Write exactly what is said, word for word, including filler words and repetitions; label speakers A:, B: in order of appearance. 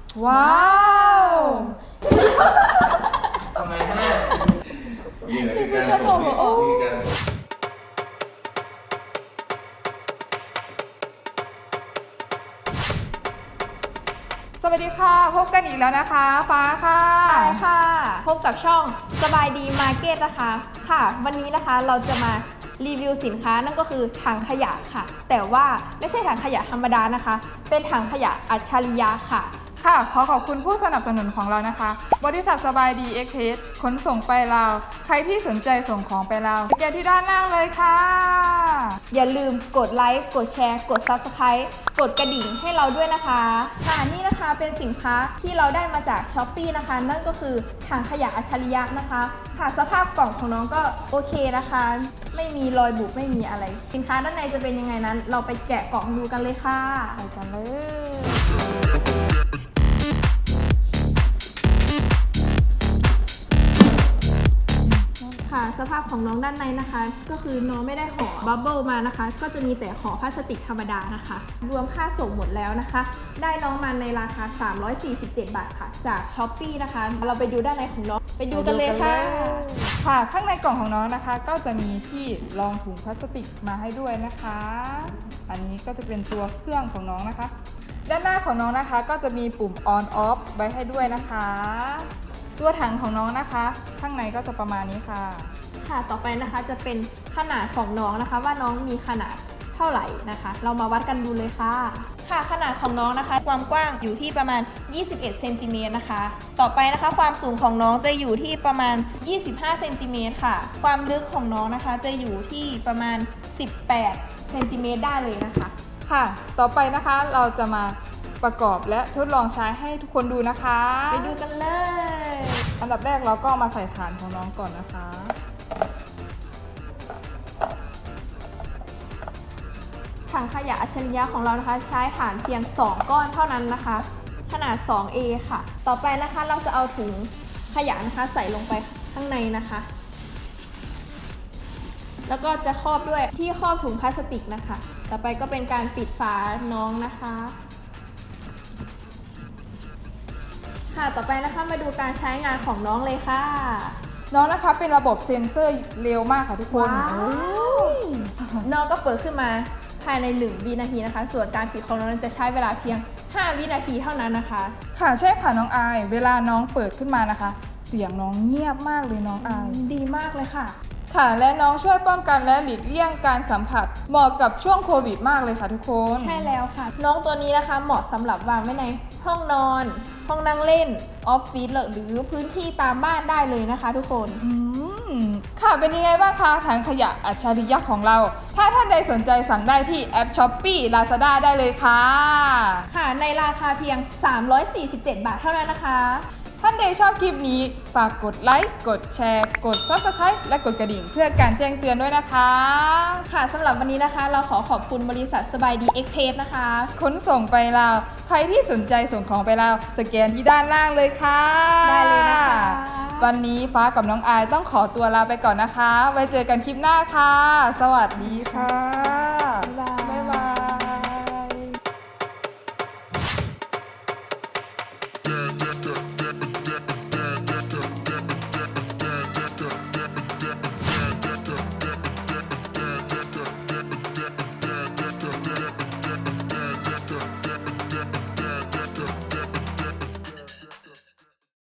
A: ว้าว
B: ทำไมฮะนี่แหละคือการส่งนี่คือการส่ง
A: สวัสดีค่ะพบกันอีกแล้วนะคะฟ้าค่ะ
C: ใช่ค่ะพบกับช่องสบายดีมาร์เก็ตนะคะค่ะวันนี้นะคะเราจะมารีวิวสินค้านั่นก็คือถังขยะค่ะแต่ว่าไม่ใช่ถังขยะธรรมดานะคะเป็นถังขยะอัจฉริยะค่ะ
A: ค่ะขอขอบคุณผู้สนับสนุนของเรานะคะบริษัทสบายดีเอ็กเพสขนส่งไปลาวใครที่สนใจส่งของไปลาวแกที่ด้านล่างเลยค่ะ
C: อย่าลืมกดไลค์กดแชร์กด ซับสไครบ์ กดกระดิ่งให้เราด้วยนะคะค่ะนี่นะคะเป็นสินค้าที่เราได้มาจาก ช้อปปี้ นะคะนั่นก็คือถังขยะอัจฉริยะนะคะค่ะสภาพกล่องของน้องก็โอเคนะคะไม่มีรอยบุบไม่มีอะไรสินค้าด้านในจะเป็นยังไงนั้น เราไปแกะกล่องดูกันเลยค่ะ
A: ไปกันเลย
C: ค่ะสภาพของน้องด้านในนะคะก็คือน้องไม่ได้ห่อบับเบิลมานะคะก็จะมีแต่ห่อพลาสติกธรรมดานะคะรวมค่าส่งหมดแล้วนะคะได้น้องมาในราคาสามร้อยสี่สิบเจ็ดบาทค่ะจาก ช้อปปี้ นะคะเราไปดูด้านในของน้องไปดูกันเลยค่ะ
A: ค่ะข้างในกล่องของน้องนะคะก็จะมีที่รองถุงพลาสติกมาให้ด้วยนะคะอันนี้ก็จะเป็นตัวเครื่องของน้องนะคะด้านหน้าของน้องนะคะก็จะมีปุ่ม on off ไว้ให้ด้วยนะคะตัวถังของน้องนะคะข้างในก็จะประมาณนี้ค่ะ
C: ค่ะต่อไปนะคะจะเป็นขนาดของน้องนะคะว่าน้องมีขนาดเท่าไหร่นะคะเรามาวัดกันดูเลยค่ะค่ะขนาดของน้องนะคะความกว้างอยู่ที่ประมาณยี่สิบเอ็ดเซนติเมตรนะคะต่อไปนะคะความสูงของน้องจะอยู่ที่ประมาณยี่สิบห้าเซนติเมตรค่ะความลึกของน้องนะคะจะอยู่ที่ประมาณสิบแปดเซนติเมตรได้เลยนะคะ
A: ค่ะต่อไปนะคะเราจะมาประกอบและทดลองใช้ให้ทุกคนดูนะคะ
C: ไปดูกันเลย
A: อันดับแรกเราก็มาใส่ฐานของน้องก่อนนะคะ
C: ถังขยะอัจฉริยะของเรานะคะใช้ฐานเพียงสองก้อนเท่านั้นนะคะขนาด สองเอ ค่ะต่อไปนะคะเราจะเอาถุงขยะนะคะใส่ลงไปข้างในนะคะแล้วก็จะครอบด้วยที่ครอบถุงพลาสติกนะคะต่อไปก็เป็นการปิดฝาน้องนะคะค่ะต่อไปนะคะมาดูการใช้งานของน้องเลยค่ะ
A: น้องนะคะเป็นระบบเซ็นเซอร์เร็วมากค่ะทุกคน
C: น้องก็เปิดขึ้นมาภายในหนึ่งวินาทีนะคะส่วนการปิดของน้องนั้นจะใช้เวลาเพียงห้าวินาทีเท่านั้นนะคะ
A: ค่ะใช่ค่ะน้องอายเวลาน้องเปิดขึ้นมานะคะเสียงน้องเงียบมากเลยน้องอาย
C: ดีมากเลยค่ะ
A: ค่ะและน้องช่วยป้องกันและหลีกเลี่ยงการสัมผัสเหมาะกับช่วงโควิดมากเลยค่ะทุกคน
C: ใช่แล้วค่ะน้องตัวนี้นะคะเหมาะสำหรับวางไว้ในห้องนอนห้องนั่งเล่นออฟฟิศหรือพื้นที่ตามบ้านได้เลยนะคะทุกคน
A: อืมค่ะเป็นยังไงบ้างคะถังขยะอัจฉริยะของเราถ้าท่านใดสนใจสั่งได้ที่แอป ช้อปปี้ ลาซาด้า ได้เลยค่ะ
C: ค่ะในราคาเพียงสามร้อยสี่สิบเจ็ดบาทเท่านั้นนะคะ
A: ท่านใดชอบคลิปนี้ฝากกดไลค์กดแชร์กด ซับสไครบ์ และกดกระดิ่งเพื่อการแจ้งเตือนด้วยนะคะ
C: ค่ะสำหรับวันนี้นะคะเราขอขอบคุณบริษัทสบายดีเอ็กเพสนะคะ
A: ขนส่งไปลาวใครที่สนใจส่งของไปลาวสแกนที่ด้านล่างเลยค่ะ
C: ได้เลยนะคะ
A: วันนี้ฟ้ากับน้องอายต้องขอตัวลาไปก่อนนะคะไว้เจอกันคลิปหน้าค่ะสวัสดีค่ะ